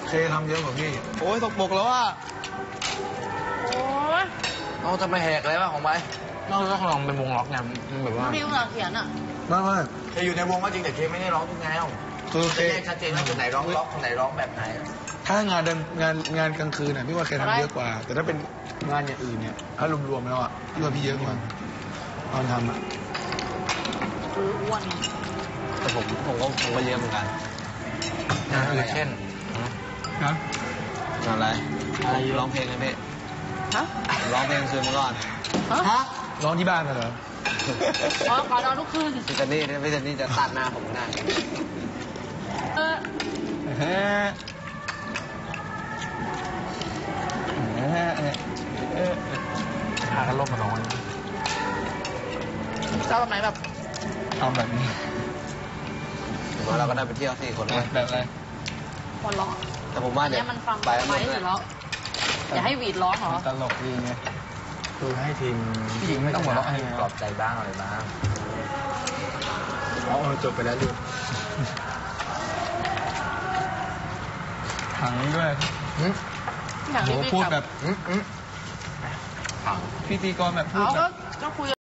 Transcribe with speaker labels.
Speaker 1: เคทำเยอะกว่าพี่
Speaker 2: โอ้ยตกบกแล้วอ่ะ
Speaker 3: โอ้ย
Speaker 2: เราจะไปแหกอะไรบ้างของไปเราต้องลองเป็นวงล็อกไงมันแบบว่า
Speaker 3: พี่ภาษาเขียนอ่ะ
Speaker 1: ไม่
Speaker 2: เคอยู่ในวงก็จริงแต่เคไม่ได้ร้องทุกแนว
Speaker 1: คือเค
Speaker 2: แยกชัดเจนว่าคนไหนร้องล็อกคนไหนร้องแบบไหน
Speaker 1: ถ้างานเดินงานกลางคืนน่ะพี่ว่าเคทำเยอะกว่า แต่ถ้าเป็นงานอย่างอื่นเนี่ยถ้ารวมๆแล้วอ่ะพี่ว่าพี่เยอะกว่าตอนทำอ่ะ
Speaker 3: คืออ้วนไง
Speaker 2: แต่ผมก็เยอะเหมือนกันงานอะไรเช่น
Speaker 1: นะ
Speaker 2: งานอะไรร้องเพลงนะพี่
Speaker 3: ฮะ
Speaker 2: ร้องเพลงคืนมาก่อน
Speaker 3: ฮะ
Speaker 1: ร้องที่บ้านน่ะเหรอ
Speaker 3: อ๋อขอนอนทุกคืน
Speaker 2: พี่เจนนี่จะตัดหน้าผมได้
Speaker 3: เออ
Speaker 1: หากันลบมาน้อย
Speaker 3: ชอบแบบไหนแบบ
Speaker 1: ทำแบบนี้
Speaker 2: ถือว่าเราก็ได้ไปเที่ยว4 คนเลย
Speaker 1: แบบอะไร
Speaker 3: คนร้อง
Speaker 2: แต่ผมว่า
Speaker 3: อัน
Speaker 2: เดี๋
Speaker 3: เนี้
Speaker 2: ย
Speaker 3: ยว มันฟัง
Speaker 2: ไป
Speaker 3: ไป
Speaker 2: หมด
Speaker 3: ที่
Speaker 2: เล
Speaker 3: สุ
Speaker 2: ย
Speaker 3: ดแล้วอย่าให้หวีดร้องเหรอ
Speaker 1: ตลกดีไงคือให้ทีมผู้หญิงไม่ต้องหัวเราะให้ไง
Speaker 2: ปลอบใจบ้างอะไรบ้าง
Speaker 1: จบไปแล้วดูถังด้วย
Speaker 3: อย่าง
Speaker 1: โห
Speaker 3: นี้พี่
Speaker 1: พูด
Speaker 3: กลับ
Speaker 1: แบบพิธีกรแบบพูด
Speaker 3: เขา
Speaker 1: แบบ
Speaker 3: ก็คุย